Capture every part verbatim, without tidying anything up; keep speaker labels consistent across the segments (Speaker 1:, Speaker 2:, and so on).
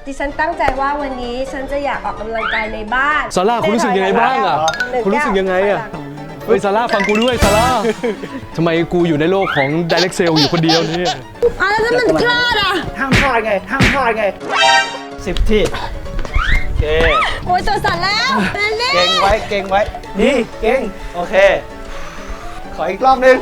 Speaker 1: ดิฉันตั้งใจว่าวันนี้ฉันจะอยากออกกำลังกายในบ้าน
Speaker 2: ซาร่าคุณรู้สึกยังไงบ้างอ่ะคุณรู้สึกยังไงอ่ะเฮ้ยซาร่าฟังกูด้วยซาร่าทำไมกูอยู่ในโลกของ Direct Sale อยู่คนเดียวเนี่ย
Speaker 1: อ่ะแล้วมันพลาดอ่ะ
Speaker 3: ห้ามพลาดไงห้ามพลาดไงสิบที่โอเค
Speaker 1: โอ้ยตัวสั่นแล้ว
Speaker 3: เก่งไว้เก่งไว้นี่เก่งโอเคขออีกรอบนึง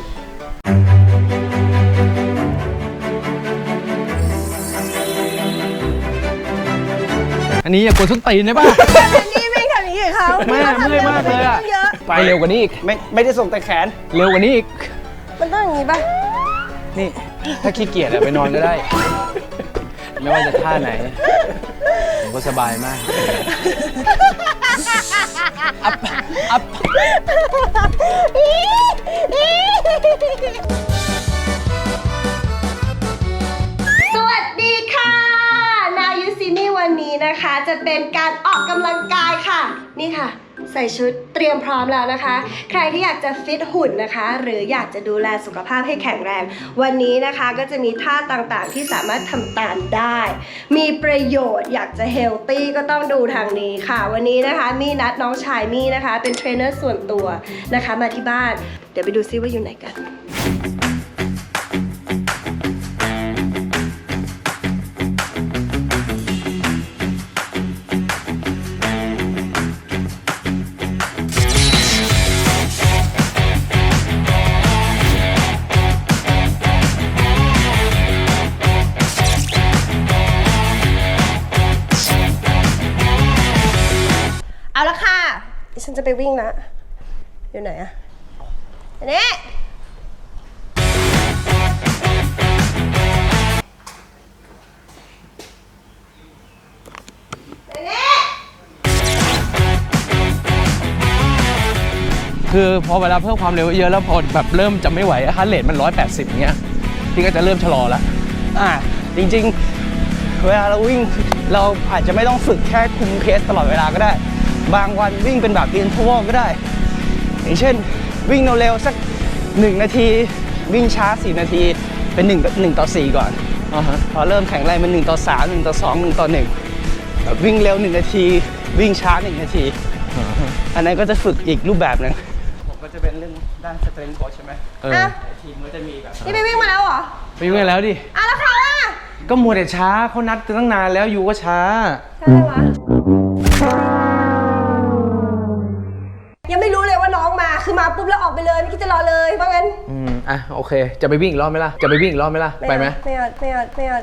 Speaker 2: อันนี้อย่ากดส้นตีนได้ป่ะ
Speaker 1: นี่ไม่ทำอย่างนี้กับเขา
Speaker 2: แม่เมื่อยมากเลยอ่ะไปเร็วกว่านี้อีก
Speaker 3: ไม่ไม่ได้ส่งแต่แขน
Speaker 2: เร็วกว่านี้อีก
Speaker 1: มันต้องอย่างนี้ป่ะ
Speaker 2: นี่ถ้าขี้เกียจอะไปนอนก็ได้ไม่ว่าจะท่าไหนผมก็สบายมากอัพอัพ
Speaker 1: สวัสดีค่ะนายูซินี่วันนี้นะคะจะเป็นการออกกำลังกายค่ะนี่ค่ะใส่ชุดเตรียมพร้อมแล้วนะคะใครที่อยากจะฟิตหุ่นนะคะหรืออยากจะดูแลสุขภาพให้แข็งแรงวันนี้นะคะก็จะมีท่าต่างๆที่สามารถทำตามได้มีประโยชน์อยากจะเฮลตี้ก็ต้องดูทางนี้ค่ะวันนี้นะคะมี่นัดน้องชายมี่นะคะเป็นเทรนเนอร์ส่วนตัวนะคะมาที่บ้านเดี๋ยวไปดูซิว่าอยู่ไหนกันเอาละค่ะฉันจะไปวิ่งนะอยู่ไหนอะอันนี้
Speaker 2: คือพอเวลาเพิ่มความเร็วเยอะแล้วพอแบบเริ่มจะไม่ไหวฮาร์ทเรทมันร้อยแปดสิบอย่างเงี้ยพี่ก็จะเริ่มชะลอละ
Speaker 3: อ่าจริงๆเวลาเราวิ่งเราอาจจะไม่ต้องฝึกแค่คุมเพสตลอดเวลาก็ได้บางวันวิ่งเป็นแบบอินเทอร์วัลก็ได้อย่างเช่นวิ่งเร็วๆสักหนึ่งนาทีวิ่งช้าสี่นาทีเป็น1 1ต่อสี่ก่อน uh-huh. พอเริ่มแข็งแรงเป็นหนึ่งต่อสามหนึ่งต่อสองหนึ่งต่อหนึ่งแบบวิ่งเร็วหนึ่งนาทีวิ่งช้าหนึ่งนาที uh-huh. อันนั้นก็จะฝึกอีกรูปแบบนึงผมก็จะเป็นเรื่องด้านสเตรนท์โค้ชใช่ไหมเออทีมก็จะมีแบบ
Speaker 1: นี่ไปวิ่งมาแล้วเหรอ
Speaker 2: ไปวิ่งมาแล้วดิ
Speaker 1: อ่ะแล้วเขาอ่ะ
Speaker 2: ก็มัวแต่ช้าเขานัดตั้งนานแล้วอยู่ก็ช้า
Speaker 1: ใช่ไหมยังไม่รู้เลยว่าน้องมาคือมาปุ๊บแล้วออกไปเลยไม่คิดจะรอเลยเพราะงั้น
Speaker 2: อืมอ่ะโอเคจะไปวิ่งอีกรอบไหมล่ะจะไปวิ่งอีกรอบไหมล่ะไปไหม
Speaker 1: ไม่เอาไม่เอาไม่เอา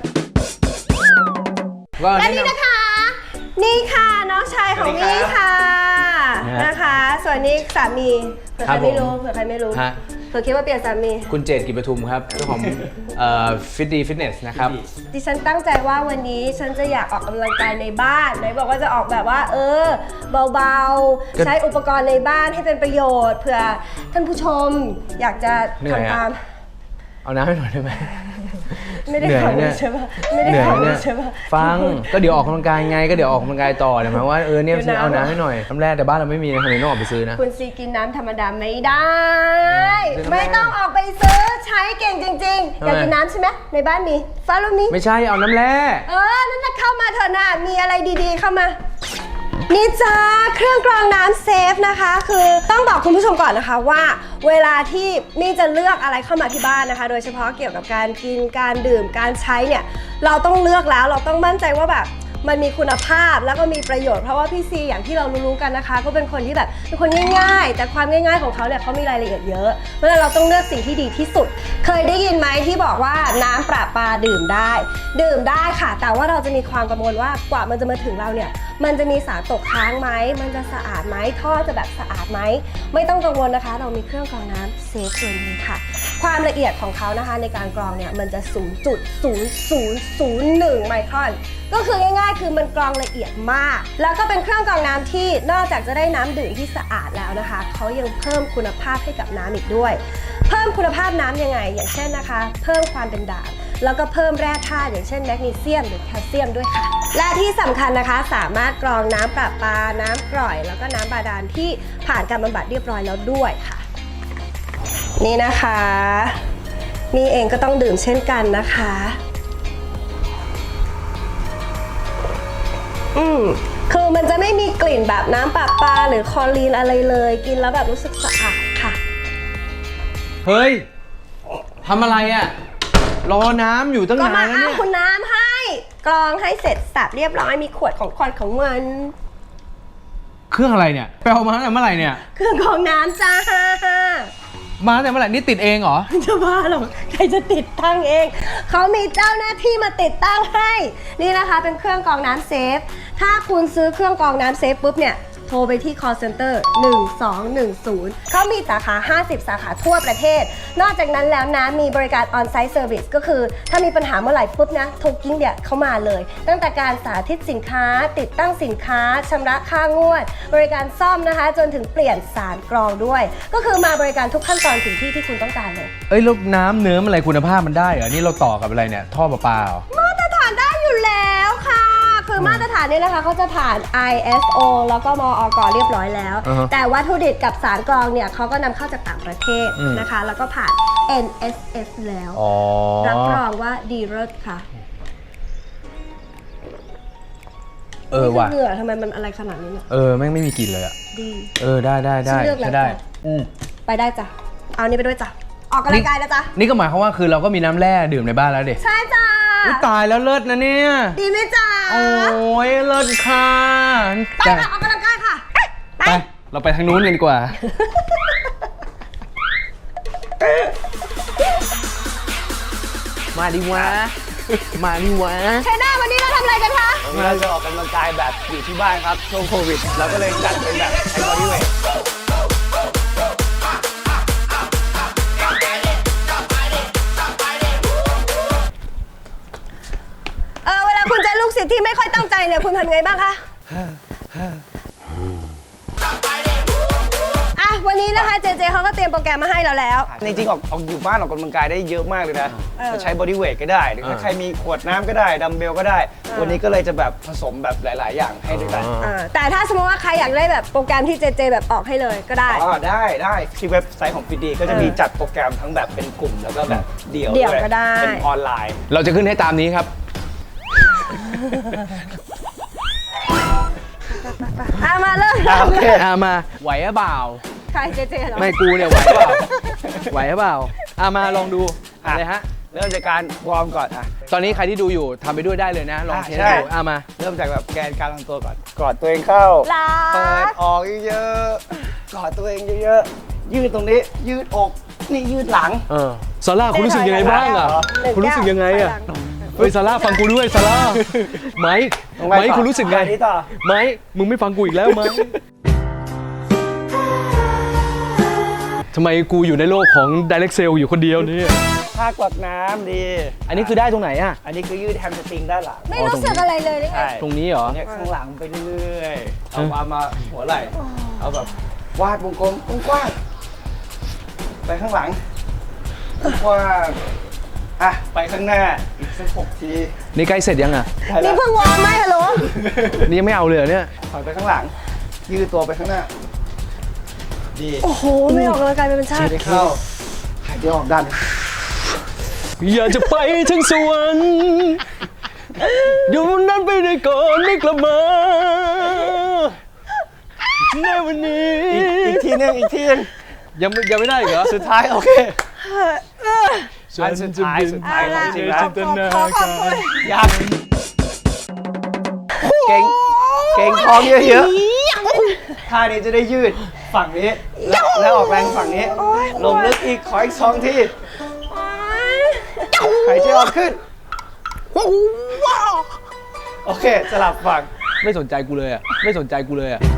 Speaker 1: และนี่นะคะนี่ค่ะน้องชายของมี่ค่ะนะคะส่วนนี้สามีเผื่อใครไม่รู้เผื่อใครไม่รู้เผื่อคิดว่าเปลี่ยนสามี
Speaker 2: คุณเจตกิจปทุมครับเจ้าของฟิตดีฟิตเนสนะครับ
Speaker 1: ดิฉันตั้งใจว่าวันนี้ฉันจะอยากออกกำลังกายในบ้านไหนบอกว่าจะออกแบบว่าเออเบาๆใช้อุปกรณ์ในบ้านให้เป็นประโยชน์เผื่อท่านผู้ชมอยากจะทำตาม
Speaker 2: เอาน้ำให้หน่อยได้ไหม
Speaker 1: ไม่ได้ขอใช่ป่ะไม่ได้ขอใช่ป่ะ
Speaker 2: ฟังก็เดี๋ยวออกกำลังกายไงก็เดี๋ยวออกกำลังกายต่อเดี๋ยวหมายว่าเออเนี่ยฉันเอาน้ำให้หน่อยน้ำแร่แต่บ้านเราไม่มีนะทำไมต้องออกไปซื้อนะ
Speaker 1: คุณซีกินน้ำธรรมดาไม่ได้ไม่ต้องออกไปซื้อใช้เก่งจริงๆอยากกินน้ำใช่ไหมในบ้านมีฟ้าลูกนี้
Speaker 2: ไม่ใช่เอาน้ำแร่
Speaker 1: เออนั่นน่ะเข้ามาเถอะนะมีอะไรดีๆเข้ามานี่จ้าเครื่องกรองน้ำเซฟนะคะคือต้องบอกคุณผู้ชมก่อนนะคะว่าเวลาที่มี่จะเลือกอะไรเข้ามาที่บ้านนะคะโดยเฉพาะเกี่ยวกับการกินการดื่มการใช้เนี่ยเราต้องเลือกแล้วเราต้องมั่นใจว่าแบบมันมีคุณภาพแล้วก็มีประโยชน์เพราะว่าพี่ซีอย่างที่เรารู้ๆกันนะคะก็เป็นคนที่แบบเป็นคนง่ายๆแต่ความง่ายๆของเขาเนี่ยเขามีรายละเอียดเยอะเพราะฉะนั้นเราต้องเลือกสิ่งที่ดีที่สุดเคยได้ยินไหมที่บอกว่าน้ำประปาดื่มได้ดื่มได้ค่ะแต่ว่าเราจะมีความกังวลว่ากว่ามันจะมาถึงเราเนี่ยมันจะมีสารตกค้างไหมมันจะสะอาดไหมท่อจะแบบสะอาดไหมไม่ต้องกังวลนะคะเรามีเครื่องกรองน้ำเซฟตัวนี้ค่ะความละเอียดของเขานะคะในการกรองเนี่ยมันจะ ศูนย์จุดศูนย์ศูนย์ศูนย์หนึ่ง ไมครอนก็คือง่ายๆคือมันกรองละเอียดมากแล้วก็เป็นเครื่องกรองน้ำที่นอกจากจะได้น้ำดื่มที่สะอาดแล้วนะคะเขายังเพิ่มคุณภาพให้กับน้ำอีกด้วยเพิ่มคุณภาพน้ำยังไงอย่างเช่นนะคะเพิ่มความเป็นด่างแล้วก็เพิ่มแร่ธาตุอย่างเช่นแมกนีเซียมหรือแคลเซียมด้วยค่ะและที่สำคัญนะคะสามารถกรองน้ำประปาน้ำกร่อยแล้วก็น้ำบาดาลที่ผ่านการบำบัดเรียบร้อยแล้วด้วยค่ะนี่นะคะนี่เองก็ต้องดื่มเช่นกันนะคะอืมคือมันจะไม่มีกลิ่นแบบน้ำประปาหรือคลอรีนอะไรเลย กินแล้วแบบรู้สึกสะอาดค่ะ
Speaker 2: เฮ้ยทำอะไรอ่ะ รอน้ำอยู่ตั้ง
Speaker 1: ก็
Speaker 2: นาน
Speaker 1: มา
Speaker 2: แล้ว
Speaker 1: เอา
Speaker 2: เนี่ย
Speaker 1: คุณน้ำให้ กรองให้เสร็จสับเรียบร้อยมีขวดของควันของมัน
Speaker 2: เครื่องอะไรเนี่ยไปเอามาตั้งแต่เมื่อไหร่เนี่ย
Speaker 1: เครื่องกรองน้ำจ้า
Speaker 2: มาตั้งแต่เมื่อไหร่นี่ติดเองเหรอ
Speaker 1: จะบ้าหรอใครจะติดตั้งเอง เขามีเจ้าหน้าที่มาติดตั้งให้ นี่นะคะเป็นเครื่องกรองน้ำเซฟ ถ้าคุณซื้อเครื่องกรองน้ำเซฟปุ๊บเนี่ย โทรไปที่ call center หนึ่งสองหนึ่งศูนย์ เขามีสาขา ห้าสิบ สาขาทั่วประเทศ นอกจากนั้นแล้วนะมีบริการ on-site service ก็คือถ้ามีปัญหาเมื่อไหร่ปุ๊บนะโทรกิ้งเดียเข้ามาเลย ตั้งแต่การสาธิตสินค้า ติดตั้งสินค้าชำระค่างวด บริการซ่อมนะคะ จนถึงเปลี่ยนสารกรองด้วย ก็คือมาบริการทุกขั้นตอนถึงที่ที่คุณต้องการเลย
Speaker 2: เอ้ยแล้วน้ำเนื้ออะไรคุณภาพมันได้เหรอ นี่เราต่อกับอะไรเนี่ย ท่อประปาเหรอ
Speaker 1: มาตรฐานได้อยู่แล้วค่ะ คือมาตรฐานเนี่ยนะคะเขาจะผ่าน ไอ เอส โอ แล้วก็มอก เรียบร้อยแล้ว
Speaker 2: อ่าฮะ
Speaker 1: แต่วัตถุดิบกับสารกรองเนี่ยเขาก็นำเข้าจากต่างประเทศ
Speaker 2: อืม
Speaker 1: นะคะ แล้วก็ผ่าน เอ็น เอส เอส แล้ว
Speaker 2: อ๋อ
Speaker 1: รับรองว่าดีเลิศค่ะ
Speaker 2: เออว่ะ
Speaker 1: นี่คืเหงื่อทำไมมันอะไรขนาดนี้เนี่ย
Speaker 2: เออแม่งไม่มีกลิ่นเลยอ่ะ
Speaker 1: ดี
Speaker 2: เออได้ได้ได้
Speaker 1: ฉันเลือกแล้ว
Speaker 2: ใช้ได้
Speaker 1: จ้ะ
Speaker 2: อืม
Speaker 1: ไปได้จ้ะ เอานี่ไปด้วยจ้ะ ออกกำลังกายนะจ๊ะ
Speaker 2: นี่ก็หมายความว่าคือเราก็มีน้ำแร่ดื่มในบ้านแล้วดิ
Speaker 1: ใช่จ้ะ
Speaker 2: อุ๊ยตายแล้วเลิศนะเนี่ย
Speaker 1: ดีไหมจ๊ะ
Speaker 2: โอ้ยเลิศค่ะ
Speaker 1: ไปค่ะ ออกกำลังกายค่ะ ไป
Speaker 2: ไป เราไปทางนู้นกันดีกว่า มาดิวะ มาดิวะ
Speaker 1: เทรนเนอร์วันนี้เราทำอะไรกันคะ
Speaker 3: วันนี้เราจะออกกำลังกายแบบอยู่ที่บ้านครับช่วงโควิดเราก็เลยจัดเป็นแบบไอ้บอดี้เวท
Speaker 1: เออเวลาคุณเจอลูกศิษย์ที่ไม่ค่อยตั้งใจเนี่ยคุณทำไงบ้างคะอ่ะวันนี้นะคะเจเจเขาก็เตรียมโปรแกรมมาให้เราแล้ว
Speaker 3: จริงๆออกออกอยู่บ้านออกกำลังกายได้เยอะมากเลยนะ
Speaker 1: เออ
Speaker 3: จะใช้บอดี้เวทก็ได้ หรือถ้า
Speaker 2: เออ
Speaker 3: ใครมีขวดน้ำก็ได้ ดัมเบลก็ได้ วันนี้ก็เลยจะแบบผสมแบบหลาย ๆ อย่างให้ด้วยกัน
Speaker 1: อ่าแต่ถ้าสมมติว่าใครอยากได้แบบโปรแกรมที่เจเจแบบออกให้เลยก็ได้
Speaker 3: อ๋อได้ได้ที่เว็บไซต์ของฟิตดีก็จะมี
Speaker 1: เออ
Speaker 3: จัดโปรแกรมทั้งแบบเป็นกลุ่มแล้วก็แบบเดี่ยว
Speaker 1: เดี่ยว
Speaker 3: ด้วย
Speaker 1: ก็ได้
Speaker 3: เป็นออนไลน์
Speaker 2: เราจะขึ้นให้ตามนี้ครับ
Speaker 1: อ่ะมาเริ่ม
Speaker 3: อ่ะโอเค
Speaker 2: อามา ไหวหรือเปล่า
Speaker 1: ใครเจเจเหรอ
Speaker 2: ไม่กูเนี่ยไหวหรือเปล่า ไหวหรือเปล่าอามาลองดู
Speaker 3: อ่ะ
Speaker 2: อะไรฮะ
Speaker 3: เริ่มจากการวอร์มก่อนอ่ะ
Speaker 2: ตอนนี้ใครที่ดูอยู่ทำไปด้วยได้เลยนะ ลอง
Speaker 3: อ่ะ
Speaker 2: เทส
Speaker 3: ใช่
Speaker 2: ดูอามา
Speaker 3: เริ่มจากแบบแกนการลงตัวก่อน กอดตัวเองเข้า
Speaker 1: ลา
Speaker 3: เปิดออกเยอะๆ กอดตัวเองเยอะๆ ยืดตรงนี้ ยืดอก นี่ยืดหลัง
Speaker 2: เออซาร่าคุณรู้สึกยังไงบ้างอ่ะ
Speaker 1: หนึ่ง
Speaker 2: คุณรู้สึกยังไงอ่ะ
Speaker 1: แก้วถอยหลัง
Speaker 2: เฮ้ยซาร่าฟังกูด้วยซาร่าไมค์
Speaker 3: ลงไป
Speaker 2: ไมค์
Speaker 3: ต่อ
Speaker 2: คุณรู้สึกไง
Speaker 3: อันนี้ต่อ
Speaker 2: ไมค์มึงไม่ฟังกูอีกแล้วไมค์ทำไมกูอยู่ในโลกของ Direct Sale อยู่คนเดียวเนี่ย
Speaker 3: ท่ากวักน้ำดี
Speaker 2: อันนี้คือได้ตรงไหนอ่ะ
Speaker 3: อันนี้คือยืดแฮมสตริงด้านหลัง
Speaker 1: ไม่รู้สึกอะไรเลยนี่ไง
Speaker 3: ใช่
Speaker 2: ตรงนี้เหรอ
Speaker 3: เนี่ยข้างหลังไปเรื่อยๆ เอามามาหัวไหล่ เอาแบบวาดวงกลมกว้างๆไปข้างหลังกว้างๆอ่ะ ไปข้างหน้า อีกสักหกที
Speaker 2: นี่ใกล้เสร็จยังอ่ะ
Speaker 3: ได้แล้
Speaker 1: นี่
Speaker 3: ว
Speaker 1: เพิ่งวอร์มไหมฮัลโหล
Speaker 2: นี่ยังไม่เอาเลยเหรอเนี่ย
Speaker 3: ถอยไปข้างหลัง ยืดตัวไปข้างหน้า ดี
Speaker 1: โอ้โห ไม่ออกกำลังกายเป็นชา
Speaker 3: หาย
Speaker 1: ติ
Speaker 3: ใจเข้า หายใจออกดัน
Speaker 2: อยากจะไปถึงสวรรค์อยู่นั้นไปได้ก่อนไม่กลับมาในวันนี้
Speaker 3: อีกอีกทีหนึงอีกทีหนึง
Speaker 2: ยังไม่ยังไม่ได้อีกเหรอ
Speaker 3: สุดท้ายโอเค
Speaker 2: ฉั
Speaker 3: อันสุดท้ายสุดท้าย
Speaker 1: เอา
Speaker 3: ของ
Speaker 1: ล่ะ
Speaker 3: จริง
Speaker 1: ข
Speaker 3: แล้
Speaker 1: อ
Speaker 3: ว
Speaker 1: ขอขอขอบคุณ
Speaker 3: ยับเก่งเก่งท้องเยอะๆท่านี้จะได้ยืดฝั่งนี้ แล้วแล้วออกแรงฝั่งนี้ ลงลึกอีกขออีกสองทีหายใจออกขึ้น โอเค สลับฝั่ง
Speaker 2: ไม่สนใจกูเลยอ่ะ ไม่สนใจกูเลยอ่ะ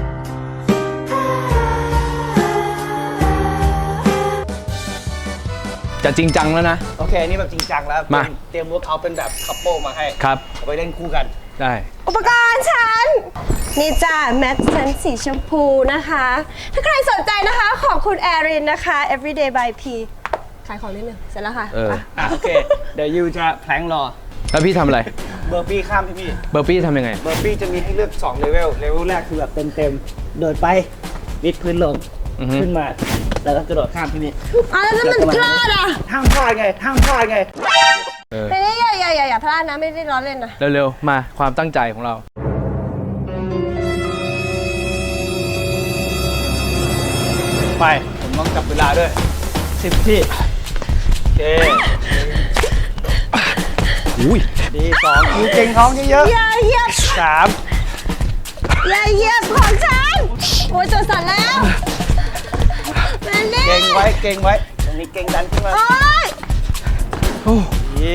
Speaker 2: จะจริงจังแล้วนะ
Speaker 3: โอเค นี่แบบจริงจังแล้ว
Speaker 2: มา
Speaker 3: เตรียมเวิร์กเอาเป็นแบบคัพเปิลมาให้
Speaker 2: ครับ
Speaker 3: เอาไปเล่นคู่กัน
Speaker 2: ได้
Speaker 1: อุปกรณ์ฉัน นี่จ้าแมทฉันสีชมพูนะคะ ถ้าใครสนใจนะคะของคุณแอรินนะคะ everyday by P ขายของนิดนึงเสร็จแล้วค่ะ
Speaker 2: เออ
Speaker 1: ไป
Speaker 3: อ่ะโอเค เดี๋ยวยูจะแพลงรอ
Speaker 2: แล้วพี่ทำอะไร
Speaker 3: เบอร์ปี้ข้ามพี่พี่
Speaker 2: เบอร์ปี้ทำยังไง
Speaker 3: เบอร์ปี้จะมีให้เลือกสองเลเวล เลเวลแรกคือแบบเต็มๆ โดดไปวิดพื้นลง
Speaker 2: อือฮึ
Speaker 3: ขึ้นมา แล้วก็กระโดดข้ามพี่นี่
Speaker 1: อ่ะแล้วถ้ามันพลาดอ่ะ
Speaker 3: ห้ามพลาดไง ห้ามพลาดไง
Speaker 2: เออ
Speaker 1: แต่นี่อย่าอย่าอย่าอย่าพลาดนะไม่ได้ล้อเล่นนะ
Speaker 2: เร็วๆ มาความตั้งใจของเรา
Speaker 3: ไปผมต้องจับเวลาด้วยสิบที่โอเค
Speaker 2: อุ้ย
Speaker 3: ดีสองคิวเก่งท้องเยอะ
Speaker 1: อย่าเหยียบ
Speaker 3: ๆสาม
Speaker 1: อย่าเหยียบของฉันโอ้ยตัวสั่นแล้วแมนนี่
Speaker 3: เก่งไว้เก่งไว้ตรงนี้เก่งดันขึ้นมา
Speaker 1: โอ้ย
Speaker 2: โอ้
Speaker 3: ดี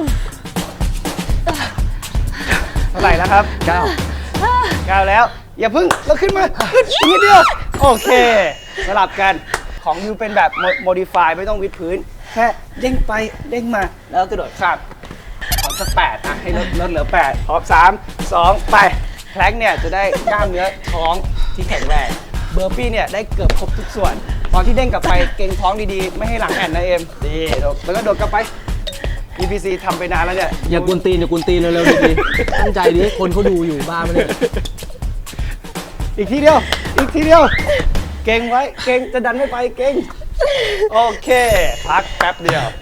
Speaker 3: เท่าไหร่แล้วครับ
Speaker 2: เก้า
Speaker 3: เก้าแล้ว อย่าพึ่งเราขึ้นมาขึ้นอีกนิดเดียวโอเค สลับกันของยูเป็นแบบโมดิฟายไม่ต้องวิดพื้น แค่เด้งไปเด้งมาแล้วกระโดดข้ามขอสักแปดนะให้ลดลดเหลือแปดพร้อมสามสองไปแพลงเนี่ยจะได้กล้ามเนื้อท้องที่แข็งแรงเบอร์ปี้เนี่ยได้เกือบครบทุกส่วน ตอนที่เด้งกลับไปเก่งท้องดีๆ ไม่ให้หลังแอนนะเอ็มดีแล้วก็โดดกลับไป อี พี ซี ทำไปนานแล้วเนี่ย
Speaker 2: อย่ากวนตีนอย่ากวนตีนเร็วๆดีๆตั้งใจดิคนเขาดูอยู่บ้าไม่ได้
Speaker 3: อีกทีเดียว อีกทีเดียว เก่งไว้ เก่งจะดันไม่ไป เก่ง โอเค พักแป๊บเดียว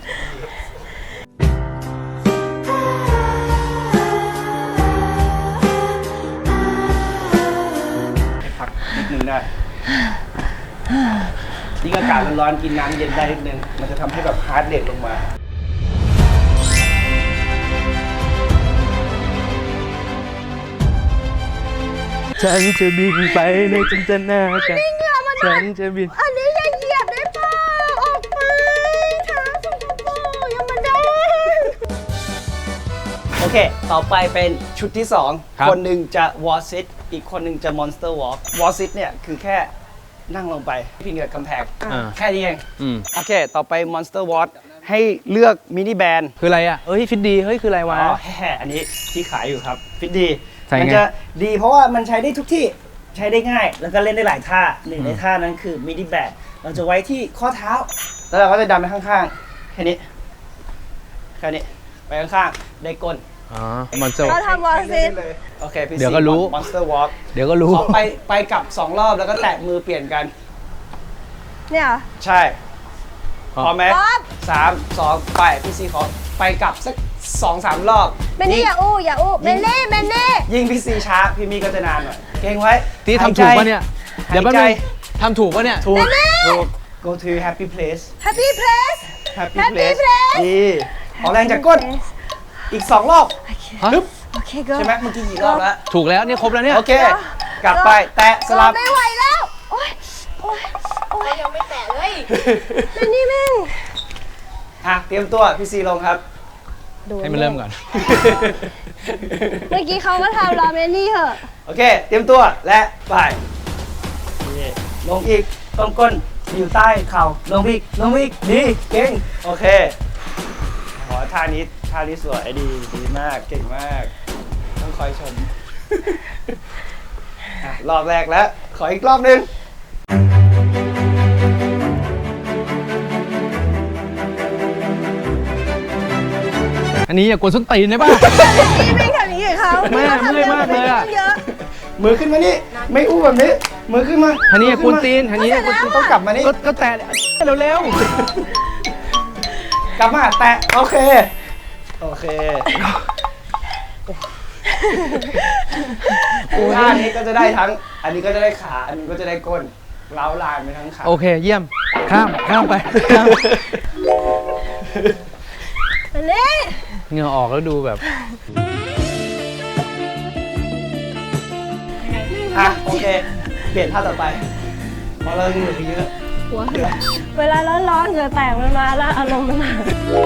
Speaker 3: พักนิดนึงได้ยิ่งอากาศร้อนๆกินน้ำเย็นได้นิดนึง มันจะทำให้แบบฮาร์ดเรทลงมา
Speaker 2: ฉันจะบินไปในจินตนาการฉันจะบิน
Speaker 1: อันนี้อย่าเหยียบได้เปล่าออกไปเท้าสกปรกอย่ามาได้
Speaker 3: โอเค ต่อไปเป็นชุดที่สอง
Speaker 2: ครับ
Speaker 3: คนหนึ่งจะวอ r ซิตอีกคนหนึ่งจะมอนสเตอร์วอล์กวอ r ซิตเนี่ยคือแค่นั่งลงไปพิงกับกำแพง
Speaker 2: อ่า
Speaker 3: แค่นี้เอง
Speaker 2: อืม
Speaker 3: โอเค ต่อไป Monster Watch ให้เลือกมินิแบน
Speaker 2: คืออะไรอ่ะเอ้ยฟิตดีเฮ้ยคืออะไรวะ
Speaker 3: อ๋อแฮ่อันนี้ที่ขายอยู่ครับ ฟิตดี
Speaker 2: ใส่ไง
Speaker 3: มัจะดีเพราะว่ามันใช้ได้ทุกที่ ใช้ได้ง่าย แล้วก็เล่นได้หลายท่า หนึ่งในท่านั้นคือมินิแบนเราจะไว้ที่ข้อเท้า แล้วเราก็จะดันไปข้างๆ แค่นี้ แค่นี้ ไปข้างๆ ได้ก้น
Speaker 2: อ๋อมันจะ
Speaker 1: เราทำวอลซิน
Speaker 3: โอเคพี่
Speaker 2: เดี๋ยวก็รู้
Speaker 3: มอนสเตอร์วอล์ก
Speaker 2: เดี๋ยวก็รู้
Speaker 3: ขอไปไปกลับสองรอบแล้วก็แตะมือเปลี่ยนกัน
Speaker 1: เนี่ยเหรอ
Speaker 3: ใช่พร้อมไหม
Speaker 1: พร้อม
Speaker 3: สามสองไปพี่ซีขอไปกลับสักสองสามรอบ
Speaker 1: แมนนี่อย่าอู้อย่าอู้แมนนี่แมนนี่
Speaker 3: ยิ่งพี่ซีช้าพี่มีก็จะนานหน่อยเก่งไว้
Speaker 2: ที่
Speaker 3: หาย
Speaker 2: ทำ
Speaker 3: ใจ
Speaker 2: ถูกปะเนี่ย เดี๋ยวแป๊บ
Speaker 3: หา
Speaker 2: นึ
Speaker 3: ใจ
Speaker 2: งทำถูกปะเนี่ย
Speaker 3: ถูกถูก go to happy place
Speaker 1: Happy Place
Speaker 3: happy
Speaker 1: Happy
Speaker 3: place
Speaker 1: place
Speaker 3: ดีขอแรงจากก้นอีกสองรอบ
Speaker 2: ฮะ
Speaker 3: ฮึบ
Speaker 1: โอเคก็
Speaker 3: ใช่ไหมเมื่อกี้กี่รอบแล้ว
Speaker 2: ถูกแล้วนี่ครบแล้วเนี่ย
Speaker 3: โอเค กลับไปแตะสลับ
Speaker 1: ไม่ไหวแล้ว โอ๊ยโอ๊ยโอ๊ยยังไม่แตะเลยแมนนี่แม่ง
Speaker 3: อ่ะเตรียมตัวพี่ซีลงครับ
Speaker 2: ให้มันเริ่มก่อน
Speaker 1: เมื่อกี้เขามาทำราเมนนี่เหอะ
Speaker 3: โอเค เตรียมตัวและไปนี่ลงอีกต้นก้นอยู่ใต้เข่าลงอีกลงอีกดีเก่งโอเคขอท่านี้ท่านี้สวยดีดีมากเก่งมาก ต้องคอยชม อ่ะรอบแรกแล้ว ขออีกรอบหนึ่ง
Speaker 2: อันนี้อย่ากวนส้นตีนได้ป่ะ
Speaker 1: นี่ไม่ทำอย่างนี้กับเขา
Speaker 2: แม่
Speaker 1: ขาทำ
Speaker 2: เมื่อยมากเลยอะ
Speaker 1: เยอะ
Speaker 3: มือขึ้นมานี่ไม่อู้แบบนี้ มือขึ้นมา
Speaker 2: อันนี้อย่ากวนตีนอันนี้อย่ากวนตีน
Speaker 3: ต้องกลับมานี่
Speaker 2: ก็ก็แตะเร็ว
Speaker 3: กลับมาแตะโอเค โอเคท่านี้ก็จะได้ทั้ง อันนี้ก็จะได้ขา อันนี้ก็จะได้ก้นเล้าลานไปทั้งขา
Speaker 2: ๆโอเคเยี่ยมข้ามข้ามไปข้าม
Speaker 1: อันนี้
Speaker 2: เหงื่อออกแล้วดูแบบ
Speaker 3: อ่ะโอเค เปลี่ยนท่าต่อไปเพราะเราเหนื่อยเยอะ
Speaker 1: หัวเวลาร้อนๆเหงื่อแตกมันมาแล้วอารมณ์มันมา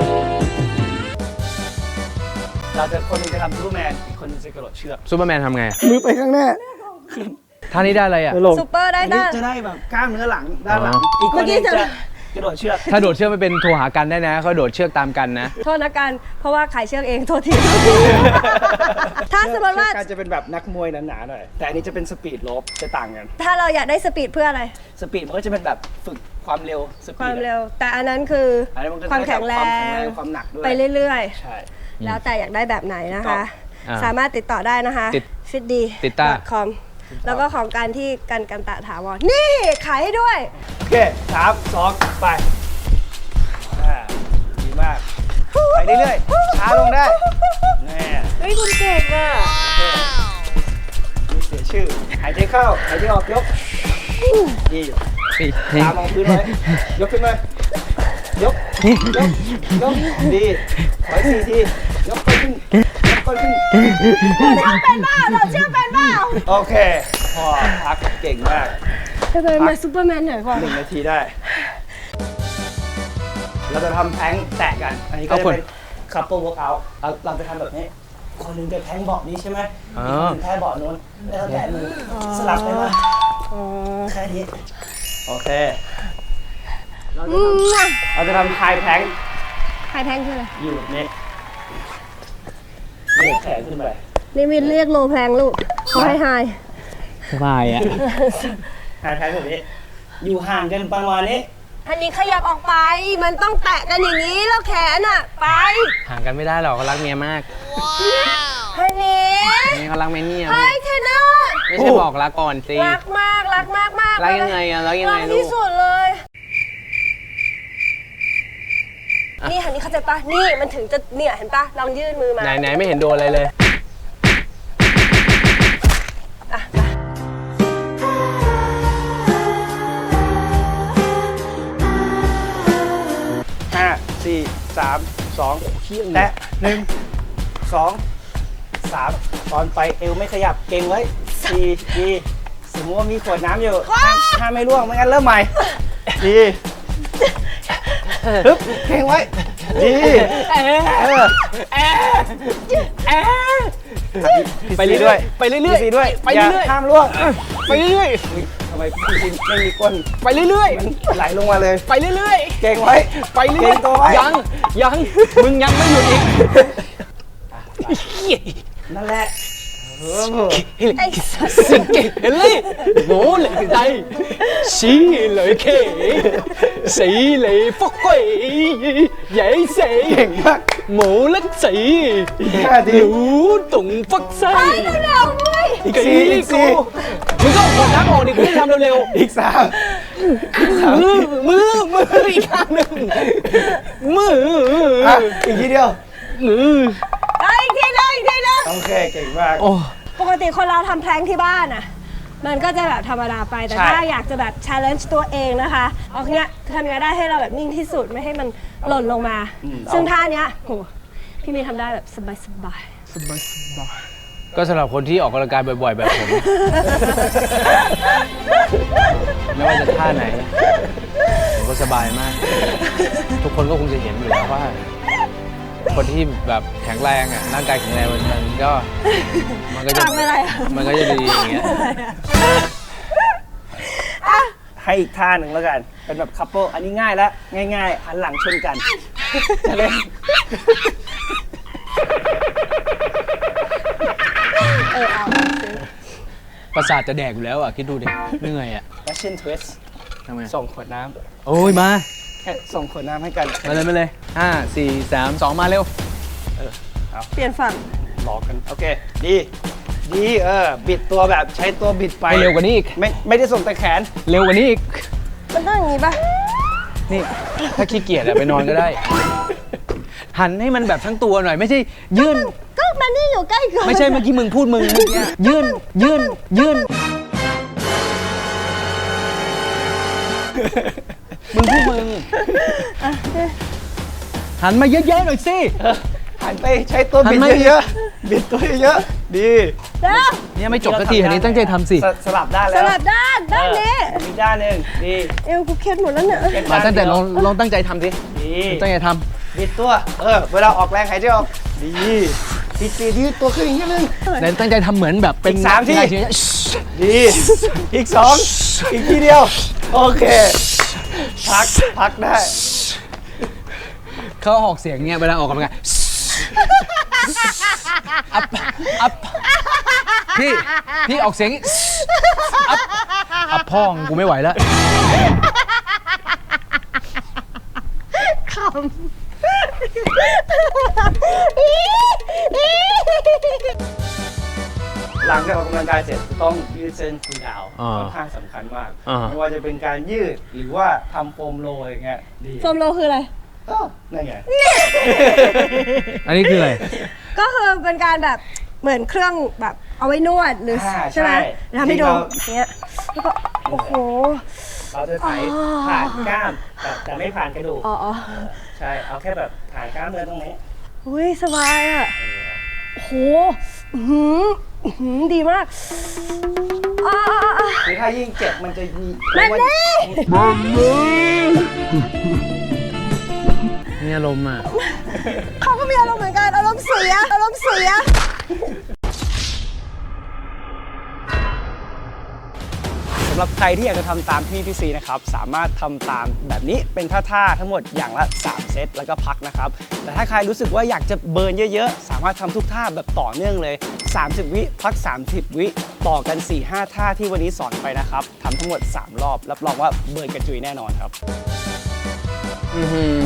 Speaker 3: เราจะคนหนึงจะทำซูเปอร์แมน อีกคนหนึงจะกระโดดเชือก
Speaker 2: ซูเปอร์แมนทำไง
Speaker 3: มือไปข้างหน้า
Speaker 2: ท่านี้ได้อะไรอ่ะ
Speaker 3: ลง
Speaker 1: ซูเปอร์ได้
Speaker 3: อันนี้
Speaker 1: ได้
Speaker 3: จะได้แบบกล้ามเนื้อหลังด้านหลัง
Speaker 2: อ๋ออี
Speaker 3: อีกคนหนึง
Speaker 1: เมื่อกี้
Speaker 3: จะ
Speaker 1: จะ
Speaker 3: กระโดดเชือก
Speaker 2: ถ้าโดดเชือกไม่เป็นโทรหากันได้นะเขาโดดเชือกตามกันนะ
Speaker 1: โทษนะกันเพราะว่าขายเชือกเองโทษที ถ้าสมมติว่า
Speaker 3: เชือกการจะเป็นแบบนักมวยหนาๆหน่อย แต่อันนี้จะเป็นสปีดโลฟจะต่างกัน
Speaker 1: ถ้าเราอยากได้สปีดเพื่ออะไร
Speaker 3: สปีดมันก็จะเป็นแบบฝึกความเร็วสปีด
Speaker 1: ความเร็ว แต่อันนั้นคือ
Speaker 3: อันนี้มันก็จะ
Speaker 1: ความแข็งแร
Speaker 3: ความแข็ง
Speaker 1: ง
Speaker 3: แรงความหนักด้วย
Speaker 1: ไปเรื่อย
Speaker 3: ใช่
Speaker 1: ๆ แล้วแต่อยากได้แบบไหนนะคะ
Speaker 2: อ่า
Speaker 1: สามารถติดต่อได้นะคะ
Speaker 2: ติด
Speaker 1: ฟิตดี
Speaker 2: ติดต้า
Speaker 1: คอมแล้วก็ของการที่กันกันตะถาวรนี่ขายให้ด้วย
Speaker 3: โอเคสามสองไปอ่าดีมาก ไปเรื่อยๆช้าลงได้แน่
Speaker 1: เฮ้ยคุณเก่งอ่ะ
Speaker 3: ไม่เสียชื่อ หายใจเข้า หายใจออกยกดีตามองพื้นไว้ยกขึ้นมายกยกยกดีขออีกสี่ทียกไปขึ้นยกไปขึ้น
Speaker 1: เราเชื่อเป็นบ้าเราเชื่อเป็นบ้า
Speaker 3: โอเคพอพักเก่งมาก
Speaker 1: ทำไมมาซูเปอร์แมนหน่อยก่อน
Speaker 3: หนึ่งนาทีได้ เราจะทำแพลงแตะกัน อันนี้ก็จะเป็น couple workout เราเราจะทำแบบนี้ คนหนึงจะแพลงเบาะนี้ใช่ไหมอีกคนหนึงแพลงเบาะนู้นแล้วแตะมือสลับไปมาแค่นี้โอเค เราจะ
Speaker 1: อื
Speaker 3: ท
Speaker 1: มน่ะ
Speaker 3: ำเราจะทำไฮแพลง
Speaker 1: ใครแพงคืออะไร
Speaker 3: อยู่แบบนี้เหยียดแขนขึ้นไป
Speaker 1: นี่มินเรียกโลแพงลูกเขาให้ไฮ
Speaker 2: สบายอ่ะ
Speaker 3: ไฮแพลงแบบนี้ อยู่ห่างกันประมาณนี้
Speaker 1: อันนี้ขยับออกไป มันต้องแตะกันอย่างนี้แล้วแขนอ่ะ ไป
Speaker 2: ห่างกันไม่ได้หรอกเขารักเมียมาก
Speaker 1: อันนี้
Speaker 2: นี่เขารักเมียเนี่ย
Speaker 1: เฮ้ยเทนเนอร์
Speaker 2: ไม่ใช่บอกรักก่อนสิ
Speaker 1: รักมากรักมากมาก
Speaker 2: รักยังไงอะรักยังไง
Speaker 1: รัก
Speaker 2: ลู
Speaker 1: ที่
Speaker 2: ก
Speaker 1: สุดเลย นี่หันนี้เข้าใจปะนี่มันถึงจะเนี่ยเห็นปะลองยื่นมือมา
Speaker 2: ไหนไหนไม่เห็นโดนอะไรเลย
Speaker 1: อ่ะไป
Speaker 3: ห้าสี่สามสองแตะหนึ่งสองสามตอนไปเอวไม่ขยับเก่งไว้สี่ดีสมมติว่ามีขวดน้ำอยู่ห้ามห้ามไม่ร่วงไม่งั้นเริ่มใหม่ดีฮึบเก่งไว้ดีเออ
Speaker 2: ไปเรื่อยๆ
Speaker 3: ด้วย
Speaker 2: ไปเรื่อยๆ
Speaker 3: พีซีด้วย
Speaker 2: ไปเรื่อยๆ
Speaker 3: าห้ามร่วง
Speaker 2: ไปเรื่อย
Speaker 3: ทำไมพี่ซีไม่มีก้น
Speaker 2: ๆ ไปเรื่อย
Speaker 3: ไหลลงมาเลย
Speaker 2: ๆ ไปเรื่อย
Speaker 3: เก่งไว้
Speaker 2: ๆ ไปเรื่
Speaker 3: เก่
Speaker 2: อย
Speaker 3: งตัวไว้
Speaker 2: ๆ ยัง ยัง มึงยังไม่หยุดอีก
Speaker 3: นั่นแหละเออ
Speaker 1: ไอ้สัส
Speaker 2: สิ่งเก่งเลยโง่เลยใจสีเลยเคสีเลยฟกกวยใหญ่เสย
Speaker 3: เก่งมาก
Speaker 2: หมูเล็กสี
Speaker 3: ห้าที
Speaker 2: หนูตุ่งฟักไส้
Speaker 1: เร็วๆเว้ย
Speaker 3: อีกสี่อีกสี่
Speaker 2: มึงก็กดน้ำออกดิกูจะทำเร็ว
Speaker 3: อีกสาม
Speaker 2: ๆมือมือมืออีกข้างหนึ่งมือ
Speaker 3: อ่ะอีกทีเดียว
Speaker 2: มือ
Speaker 1: เอาอีกทีนึงอีกทีนึง
Speaker 3: โอเคเก่งมาก
Speaker 2: โอ้
Speaker 1: ปกติคนเราทำแพลงที่บ้านอ่ะ มันก็จะแบบธรรมดาไป แต่
Speaker 3: ใช่
Speaker 1: ถ้าอยากจะแบบ challenge ตัวเองนะคะเอาเนี้ยทำยังไงได้ให้เราแบบนิ่งที่สุดไม่ให้มันหล่นลงมา ซึ่งท่าเนี้ยโหพี่มีทำได้แบบสบายสบาย
Speaker 2: ก็สำหรับคนที่ออกกำลังกายบ่อยๆ แบบผม ไม่ว่าจะท่าไหนผมก็สบายมาก ทุกคนก็คงจะเห็นอยู่แล้วว่า คนที่แบบแข็งแรงอ่ะร่างกายแข็งแรงมันมันก็มันก็จะ
Speaker 1: ทำอะไรอ่ะ
Speaker 2: มันก็จะดีอย่างเงี้ย
Speaker 3: ให้อีกท่าหนึ่งแล้วกัน เป็นแบบคัพเปิลอันนี้ง่ายแล้ว ง่ายๆ หันหลังชนกันจะเล่น
Speaker 1: เออเอา
Speaker 2: ประสาทจะแดกอยู่แล้วอ่ะคิดดูดิเหนื่อยอ่ะ
Speaker 3: แฟชั่นทวิส
Speaker 2: ทำไม
Speaker 3: ส่งขวดน้
Speaker 2: โอ้ยมา
Speaker 3: ำแค่ส่งขวดน้ำให้กัน
Speaker 2: มาเลยมาเลยห้าสี่สามสองมาเร็ว
Speaker 1: เปลี่ยนฝั่ง
Speaker 3: หลอกกัน โอเค ดี ดีเออ บิดตัวแบบใช้ตัวบิดไป
Speaker 2: ไปเร็วกว่านี้อีก
Speaker 3: ไม่ไม่ได้ส่งแต่แขน
Speaker 2: เร็วกว่านี้อีก
Speaker 1: มันต้องอย่างนี้ป่ะ
Speaker 2: นี่ ถ้าขี้เกียจอะไปนอนก็ได้ หันให้มันแบบทั้งตัวหน่อย ไม่ใช่ยื่น
Speaker 1: ก็มันนี่อยู่ใกล้กัน
Speaker 2: ไม่ใช่เมื่อกี้มึงพูดมึงเมื่อกี้ยื่นยื่นยื่นมึงพูดมึงหันมาเยอะๆหน่อยสิ
Speaker 3: หันไปใช้ตัวบิด
Speaker 2: หันมา
Speaker 3: เยอะๆ บิดตัวเยอะๆ ดี
Speaker 1: เด้อ
Speaker 2: เนี่ยไม่จบสักทีหันนี้ตั้งใจทำสิ
Speaker 3: สสลับด้าน
Speaker 1: ส
Speaker 3: แล้ว
Speaker 1: ลับด้านด้านนี้
Speaker 3: เอออีกด้านหนึ่งดี
Speaker 1: เอวกูเคล็ดหมดแล้วเนี่ย
Speaker 3: เป็น
Speaker 2: มา
Speaker 3: ด้
Speaker 2: ตั้งแต่
Speaker 3: เดี
Speaker 2: ล
Speaker 3: ยว
Speaker 2: องลองตั้งใจทำสิ
Speaker 3: ดี
Speaker 2: ตั้งใจท
Speaker 3: บิดตัว เออ เวลาออกแรงหายใจออก ดีบิดตียืดตัวขึ้นอีกนิดนึง
Speaker 2: ำแต่ตั้งใจทำเหมือนแบบเป็น
Speaker 3: อีกสามที่
Speaker 2: นยชีวิต
Speaker 3: ดี อีกสอง อีกทีเดียว โอเค พัก พักได้
Speaker 2: เขาออกเสียงเงี้ยเวลาออกกำลังกายอัพอัพพี่พี่ออกเสียงอัพอัพพ่องกูไม่ไหวแล้ว
Speaker 1: ขำ
Speaker 3: หลังจากออกกำลังกายเสร็จต้องยืดเส้นคูลดาวน์
Speaker 2: อ่า
Speaker 3: ค่อนข้างสำคัญมาก
Speaker 2: อ่า
Speaker 3: ไม่ว่าจะเป็นการยืดหรือว่าทำโฟมโรลอย่างเงี้ย ดี
Speaker 1: โฟมโลคืออะไร
Speaker 3: ก็นั่นไง
Speaker 2: อันนี้คืออะไร
Speaker 1: ก็คือเป็นการแบบเหมือนเครื่องแบบเอาไว้นวดหรือ
Speaker 3: อ่า
Speaker 1: ใช่ไหม
Speaker 3: ใช่
Speaker 1: ทำให้ดู
Speaker 3: จริงๆเรา
Speaker 1: เนี้ยแล้วก็โอ้โห
Speaker 3: เขาจะไถผ่านกล้ามแต่แต่ไม่ผ่านกระดูก
Speaker 1: อ๋ออ๋อ
Speaker 3: ใช่เอาแค่แบบผ่านกล้ามเนื้อตรงนี้
Speaker 1: อุ้ยสบายอ่ะโอ้โหอื้อหืออื้อหือดีมากอ่าอ่า
Speaker 3: คือถ้ายิ่งเจ็บมันจะมี
Speaker 1: มันนี่
Speaker 2: มีอารมณ์อ่ะ
Speaker 1: เขาก็มีอารมณ์เหมือนกันอารมณ์เสียอารมณ์เสีย
Speaker 3: สำหรับใครที่อยากจะทำตามพี่พี่ซีนะครับสามารถทำตามแบบนี้เป็นท่าๆทั้งหมดอย่างละสามเซตแล้วก็พักนะครับแต่ถ้าใครรู้สึกว่าอยากจะเบิร์นเยอะๆสามารถทำทุกท่าแบบต่อเนื่องเลยสามสิบวิพักสามสิบวิต่อกัน สี่ห้า ท่าที่วันนี้สอนไปนะครับทำทั้งหมดสามรอบรับรองว่าเบิร์นกระจุยแน่นอนครับ
Speaker 2: อื้อหือ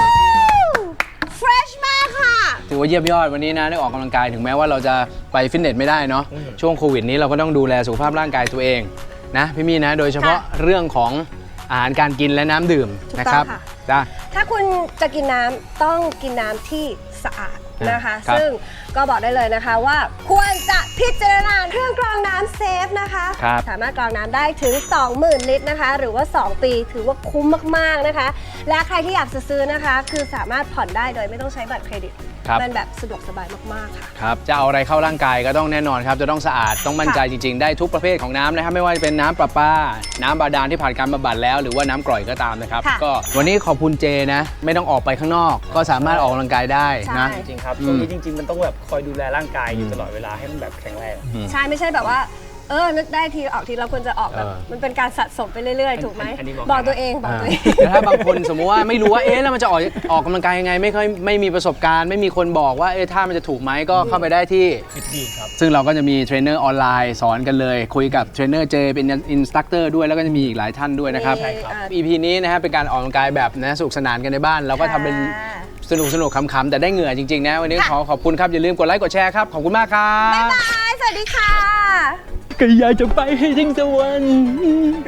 Speaker 1: fresh มากค่ะ
Speaker 2: ถือว่าเยี่ยมยอดวันนี้นะได้ออกกำลังกายถึงแม้ว่าเราจะไปฟิตเนสไม่ได้เนาะช่วงโควิดนี้เราก็ต้องดูแลสุขภาพร่างกายตัวเองนะพี่มี่นะโดยเฉพาะ
Speaker 1: ค่ะ
Speaker 2: เรื่องของอาหารการกินและน้ำดื่ม
Speaker 1: ถูกต้อง
Speaker 2: นะครับ
Speaker 1: ค่ะ
Speaker 2: จ้า
Speaker 1: ถ้าคุณจะกินน้ำต้องกินน้ำที่สะอาดนะคะ
Speaker 2: ครับ
Speaker 1: ซึ่งก็บอกได้เลยนะคะว่าควรจะพิจารณาเครื่องกรองน้ำเซฟนะคะ
Speaker 2: ครับ
Speaker 1: สามารถกรองน้ำได้ถึง สองหมื่น ลิตรนะคะ หรือว่า สอง ปีถือว่าคุ้มมากๆนะคะ และใครที่อยากจะซื้อนะคะ คือสามารถผ่อนได้โดยไม่ต้องใช้บัตรเครดิต
Speaker 2: ครับ
Speaker 1: มันแบบสะดวกสบายมากๆค่ะ
Speaker 2: ครับจะเอาอะไรเข้าร่างกายก็ต้องแน่นอนครับจะต้องสะอาดต้องมั่นใจจริง ๆ ได้ทุกประเภทของน้ำนะครับไม่ว่าจะเป็นน้ำประปา น้ำบาดาลที่ผ่านการบำบัดแล้วหรือว่าน้ำกร่อยก็ตามนะครับ
Speaker 1: ค่ะ
Speaker 2: ก็วันนี้ขอบคุณเจนะ ไม่ต้องออกไปข้างนอก ก็สามารถออกกำลังกายได้นะ
Speaker 1: ใช่
Speaker 3: จริงๆครับ
Speaker 2: อืม
Speaker 3: ช่วงนี้จริง ๆ มันต้องแบบคอยดูแลร่างกายอยู่ตลอดเวลาให้มันแบบแข็งแรง
Speaker 1: ใช่ไม่ใช่แบบว่า เออนึกได้ทีออกทีเราควรจะออกแบบ
Speaker 2: เออ
Speaker 1: มันเป็นการสะสมไปเรื่อยๆ ถูกไหม
Speaker 3: อันนี้บอก
Speaker 1: บอกตัวเองบอกตัวเอง
Speaker 2: แต่ถ้าบางคนสมมุติว่าไม่รู้ว่าเอ๊ะแล้วมันจะออกออกกำลังกายยังไงไม่ค่อยไม่มีประสบการณ์ ไม่มีคนบอกว่าเอ๊ะถ้ามันจะถูกไหมก็เข้าไปได้ที่
Speaker 3: ฟิตดีครับ
Speaker 2: ซึ่งเราก็จะมีเทรนเนอร์ออนไลน์สอนกันเลย คุยกับเทรนเนอร์เจเป็นอินสตัคเตอร์ด้วยแล้วก็จะมีอีกหลายท่านด้วยนะครับ
Speaker 1: ใช่ครับ
Speaker 2: อี พี นี้นะฮะเป็นการออกกำลังกายแบบนะสนุกสนานกันในบ้าน เราก็ทำเป็น
Speaker 1: ค่ะ
Speaker 2: สนุกสนุกๆขำๆแต่ได้เหงื่อจริงๆนะวันนี้
Speaker 1: ค่ะ
Speaker 2: ขอขอบคุณครับอย่าลืมกดไลค์กดแชร์ครับขอบคุณมากครับ
Speaker 1: บ๊ายบาย สวัสดีค่ะ
Speaker 2: ก็อยากจะไปให้ถึงสวรรค์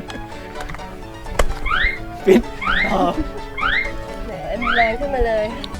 Speaker 3: ฟิต
Speaker 1: แหมมีแรงขึ้นมาเลย